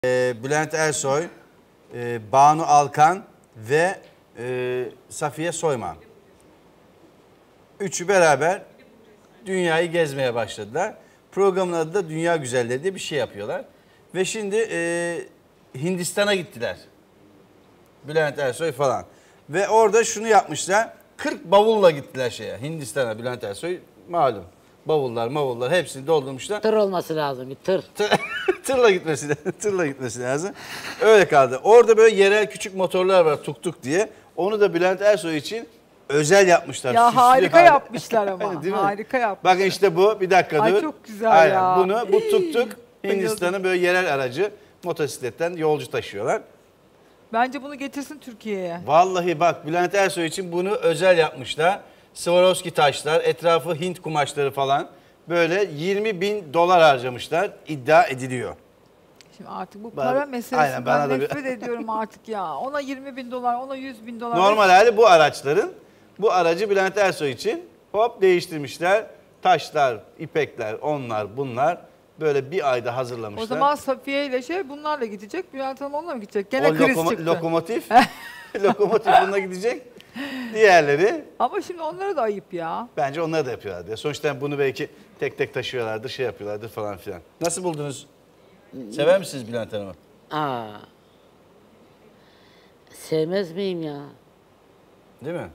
Bülent Ersoy, Banu Alkan ve Safiye Soyman. Üçü beraber dünyayı gezmeye başladılar. Programın adı da Dünya Güzelleri diye bir şey yapıyorlar. Ve şimdi Hindistan'a gittiler. Bülent Ersoy falan. Ve orada şunu yapmışlar. 40 bavulla gittiler Hindistan'a. Bülent Ersoy malum. Bavullar hepsini doldurmuşlar. Tır olması lazım, bir tır. Tırla gitmesi lazım. Öyle kaldı. Orada böyle yerel küçük motorlar var, tuk tuk diye. Onu da Bülent Ersoy için özel yapmışlar. Ya harika yapmışlar ama. Değil mi? Harika yapmışlar. Bakın işte bu, bir dakika dur. Ay çok güzel ya. Bu tuk tuk Hindistan'ın böyle yerel aracı, motosikletten yolcu taşıyorlar. Bence bunu getirsin Türkiye'ye. Vallahi bak, Bülent Ersoy için bunu özel yapmışlar. Swarovski taşlar, etrafı Hint kumaşları falan. Böyle 20.000 dolar harcamışlar, iddia ediliyor. Şimdi artık bu para meselesi, ben nefret ediyorum artık ya. Ona 20.000 dolar, ona 100.000 dolar. Normal hali bu araçların. Bu aracı Bülent Ersoy için hop değiştirmişler. Taşlar, ipekler, onlar bunlar. Böyle bir ayda hazırlamışlar. O zaman Safiye ile bunlarla gidecek. Bülent Hanım onunla mı gidecek? Gene kriz çıktı. Lokomotif. Lokomotif bununla gidecek. Diğerleri. Ama şimdi onlara da ayıp ya. Bence onları da yapıyorlardı. Sonuçta bunu belki tek tek taşıyorlardır, şey yapıyorlardır falan filan. Nasıl buldunuz? Sever misiniz Bülent Hanım'ı? Sevmez miyim ya? Değil mi?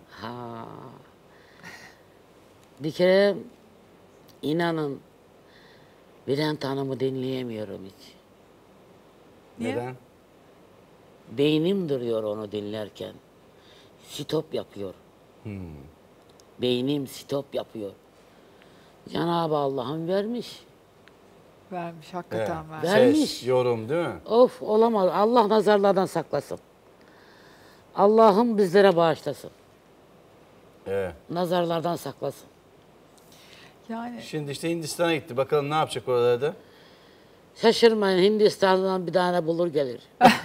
Bir kere inanın Bülent Hanım'ı dinleyemiyorum hiç. Niye? Neden? Beynim duruyor onu dinlerken. Stop yapıyor. Beynim stop yapıyor. Cenab-ı Allah'ım vermiş. Vermiş, hakikaten vermiş. Vermiş. Ses, yorum değil mi? Of, olamaz. Allah nazarlardan saklasın. Allah'ım bizlere bağışlasın. Evet. Nazarlardan saklasın. Yani Şimdi işte Hindistan'a gitti. Bakalım ne yapacak oralarda? Şaşırmayın, Hindistan'dan bir tane bulur gelir.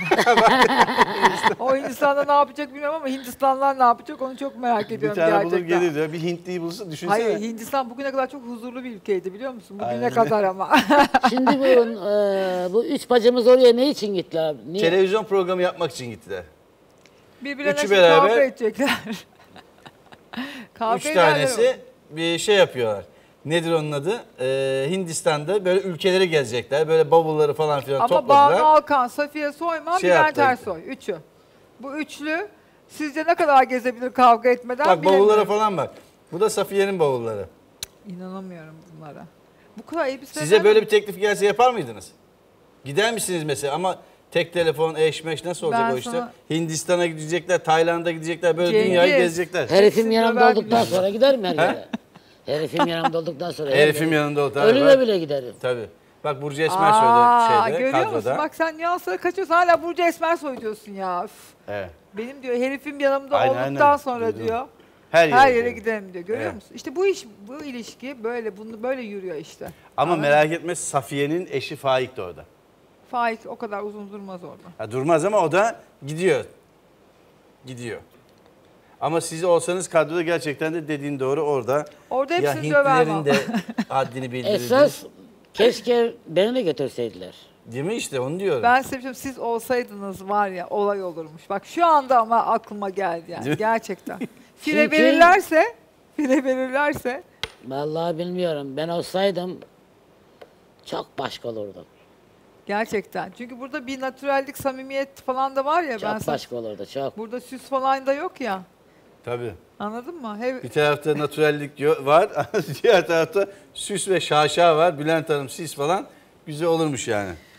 o Hindistan'da ne yapacak bilmiyorum ama Hindistanlılar ne yapacak onu çok merak ediyorum Bir tane gerçekten. bulur gelir diyor. Bir Hintliyi bulsun, düşünsene. Hayır, Hindistan bugüne kadar çok huzurlu bir ülkeydi biliyor musun? Bugüne kadar ama. Şimdi bu üç bacımız oraya ne için gittiler? Niye? Televizyon programı yapmak için gittiler. Birbirlerine Üçü şimdi beraber- kavga edecekler. Kavga Üç ederler tanesi bir şey yapıyorlar. Nedir onun adı? Hindistan'da böyle ülkeleri gezecekler. Böyle bavulları falan filan ama topladılar. Banu Alkan, Safiye Soyman, Şey Bülent yaptılar. Ersoy. Üçü. Bu üçlü sizce ne kadar gezebilir kavga etmeden Bak bilemiyorum. bavullara falan bak. Bu da Safiye'nin bavulları. İnanamıyorum bunlara. Bu kadar elbiseler... Size böyle bir teklif gelse yapar mıydınız? Gider misiniz mesela? Ama tek telefon, eş meş nasıl olacak Ben o işte? sana- Hindistan'a gidecekler, Tayland'a gidecekler, böyle Cengiz. dünyayı gezecekler. Herifim Hepsini yanımda döver olduktan bile. sonra gider mi her yere? Herifim yanımda olduktan sonra. Herifim yanında ol. Ölüme bile giderim. Tabii. Bak Burcu Esmersoy şeyde, görüyor kadroda. musun? Bak sen nüanslara kaçıyorsun. Hala Burcu Esmersoy diyorsun ya. Üf. Evet. Benim diyor herifim yanımda Aynen, olduktan aynen. sonra Duydum. diyor. Her Her yere yere gidiyor. gidelim diyor. Görüyor Evet. musun? İşte bu ilişki böyle yürüyor işte. Ama Anladın merak etme, Safiye'nin eşi Faik de orada. Faik o kadar uzun durmaz orada. Ha, durmaz ama o da gidiyor. Gidiyor. Ama siz olsanız kadroda gerçekten de dediğin doğru orada. Orada Ya hepsini döver Hintlilerin vallahi. de haddini bildirdiniz. Esas keşke beni de götürseydiler. Değil mi işte, onu diyorum. Ben size bir şey söyleyeyim, siz olsaydınız var ya olay olurmuş. Bak şu anda ama aklıma geldi Değil yani mi? gerçekten. File Çünkü- verirlerse Vallahi bilmiyorum. Ben olsaydım çok başka olurdum. gerçekten. Çünkü burada bir natürellik, samimiyet falan da var ya. Çok ben sana- başka olurdu, çok. Burada süs falan da yok ya. Tabii. Anladın mı? Bir tarafta natürellik var, diğer tarafta süs ve şaşa var. Bülent Hanım, siz falan güzel olurmuş yani.